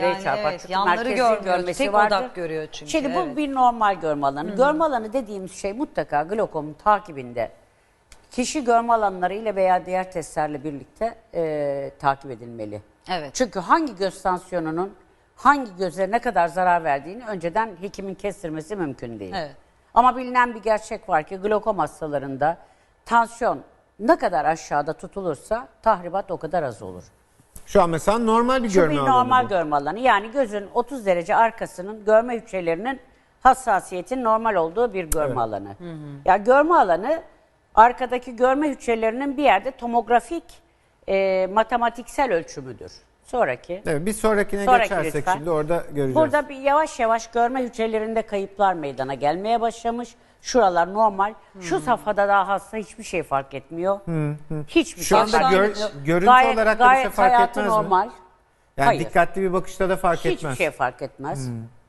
Yani çarpar. evet, Çünkü yanları merkezi görmüyor. görmesi Tek vardır. odak görüyor çünkü. Şimdi bu evet. bir normal görme alanı. Görme alanı dediğimiz şey mutlaka glokomun takibinde kişi görme alanları ile veya diğer testlerle birlikte takip edilmeli. Evet. Çünkü hangi göz tansiyonunun hangi göze ne kadar zarar verdiğini önceden hekimin kestirmesi mümkün değil. Evet. Ama bilinen bir gerçek var ki glokom hastalarında tansiyon ne kadar aşağıda tutulursa tahribat o kadar az olur. Şu an mesela normal bir Şu görme bir alanı normal bu. görme alanı. Yani gözün 30 derece arkasının görme hücrelerinin hassasiyetin normal olduğu bir görme alanı. Ya görme alanı arkadaki görme hücrelerinin bir yerde tomografik matematiksel ölçümüdür. Sonraki. Evet, bir sonrakine Sonraki geçersek lütfen. şimdi orada göreceğiz. Burada bir yavaş yavaş görme hücrelerinde kayıplar meydana gelmeye başlamış. Şuralar normal. Şu safhada daha hasta hiçbir şey fark etmiyor. Hiçbir Şu şey anda fark gör- etmiyor. görüntü Gayet- olarak da bir şey gayet fark hayatı etmez mi? normal. Yani Hayır. dikkatli bir bakışta da fark Hiçbir etmez. şey fark etmez.